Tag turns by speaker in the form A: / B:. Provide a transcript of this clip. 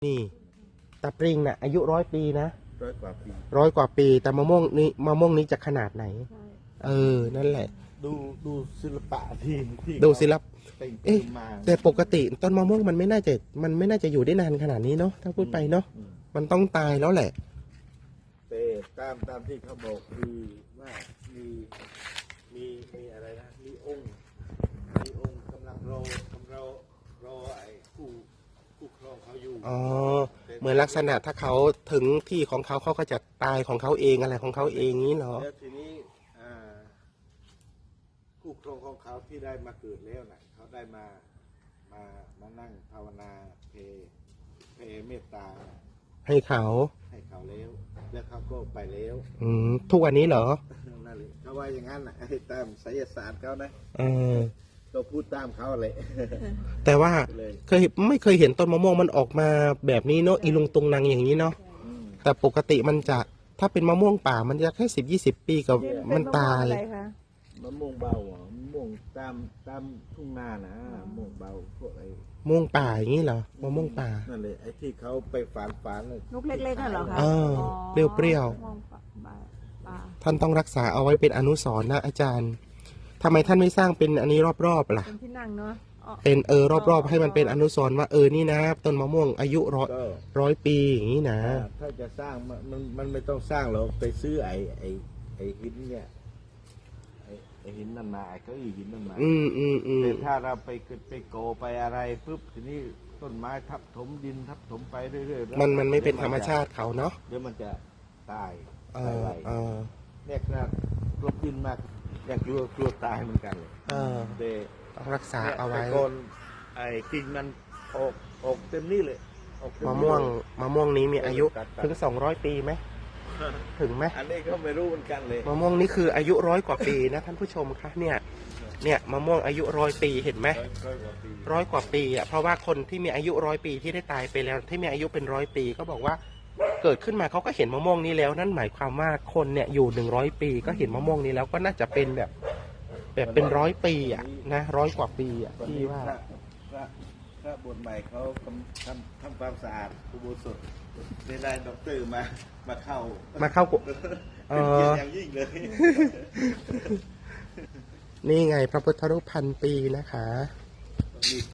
A: นี่ตะปริงน่ะอายุ100 ปีนะ
B: 100 กว่าปี
A: แต่มะม่วงนี้จะขนาดไหนนั่นแหละ
B: ดูศิลปะที่
A: ดูศิลปะ
B: เป็นมา
A: แต่ปกติต้นมะม่วงมันไม่น่าจะอยู่ได้นานขนาดนี้เนาะถ้าพูดไปเนาะมันต้องตายแล้วแหละ
B: แต่ตามที่เขาบอกคือว่ามีอะไรนะมีองค์กำลังรอไอ้คู่ครองเขาอยู่
A: เหมือนลักษณะถ้าเขาถึงที่ของเขาก็จะตายของเขาเองอะไรของเขาเองนี้เหรอ
B: แล้วทีนี้คู่ครองของเขาที่ได้มาเกิดแล้วนะเขาได้มานั่งภาวนาเพเมตตา
A: ให้เขา
B: แล้วเขาก็ไปแล้ว
A: ทุกวันนี้เหรอ
B: นั่นเลยเขาว่าอย่างนั้นนะตามไสยศาสตร์เขานะก็พูดตามเขาเลย
A: แต่ว่าไม่เคยเห็นต้นมะม่วงมันออกมาแบบนี้เนาะอีลุงตุงนางอย่างนี้เนาะแต่ปกติมันจะถ้าเป็นมะม่วงป่ามันจะแค่10-20 ปีกับมันตาย
B: มะม่วงเบามะม่วงตามทุ่งนานะมะม่วงเบาพวกไอ้
A: มะม่วงป่าอย่างนี้เหรอมะม่วงป่า
B: นั่นเลยไอ้ที่เขาไปฝาน
C: ลูกเล็กๆนั่นเหรอคะ
A: เปรี้ยวท่านต้องรักษาเอาไว้เป็นอนุสรณ์นะอาจารย์ทำไมท่านไม่สร้างเป็นอันนี้รอบๆล่ะ
C: เป็นที่นั่งเนาะ
A: เป็นรอบๆให้มันเป็นอนุสรณ์ว่านี่นะต้นมะม่วงอายุร้อยปีอย่างนี้นะ
B: ถ้าจะสร้างมันไม่ต้องสร้างหรอกไปซื้อไอ้หินเนี่ยไอ้หินนั่นมาไอ้เก้าอี้หินนั่นมาแต่ถ้าเราไปโกไปอะไรปุ๊บทีนี้ต้นไม้ทับถมดินทับถมไปเรื่อยๆ
A: มันไม่เป็นธรรมชาติเขาเนาะ
B: เดี๋ยวมันจะตายไปเนี่ยขนาดกลบดินมากอยากกลัวตายเหมือนกันเลย
A: ต้องรักษาเอาไว้
B: ก่อนไอ้กิ่งมันออกเต็มนี่เลย
A: มะม่วงนี้มีอายุถึง200 ปีไหมถึงไหม
B: อันนี้ก็ไม่รู้เหมือนกันเลย
A: มะม่วงนี้คืออายุ100 กว่าปีนะท่านผู้ชมคะเนี่ยมะม่วงอายุ100 ปีเห็นไหม100 กว่าปีอ่ะเพราะว่าคนที่มีอายุ100 ปีที่ได้ตายไปแล้วที่มีอายุเป็น100 ปีก็บอกว่าเกิดขึ้นมาเขาก็เห็นมะม่วงนี้แล้วนั่นหมายความว่าคนเนี่ยอยู่100 ปีก็เห็นมะม่วงนี้แล้วก็น่าจะเป็นแบบเป็น100 ปีอ่ะนะ100 กว่าปีอ่ะที่ว่า
B: พระบวชใหม่เขาทำความสะอาดอุโบสถได้ด็อกเตอร์มาเข้าเป็นเกียรติอย่างยิ่งเลย
A: นี่ไงพระพุทธรูป1,000 ปีนะคะ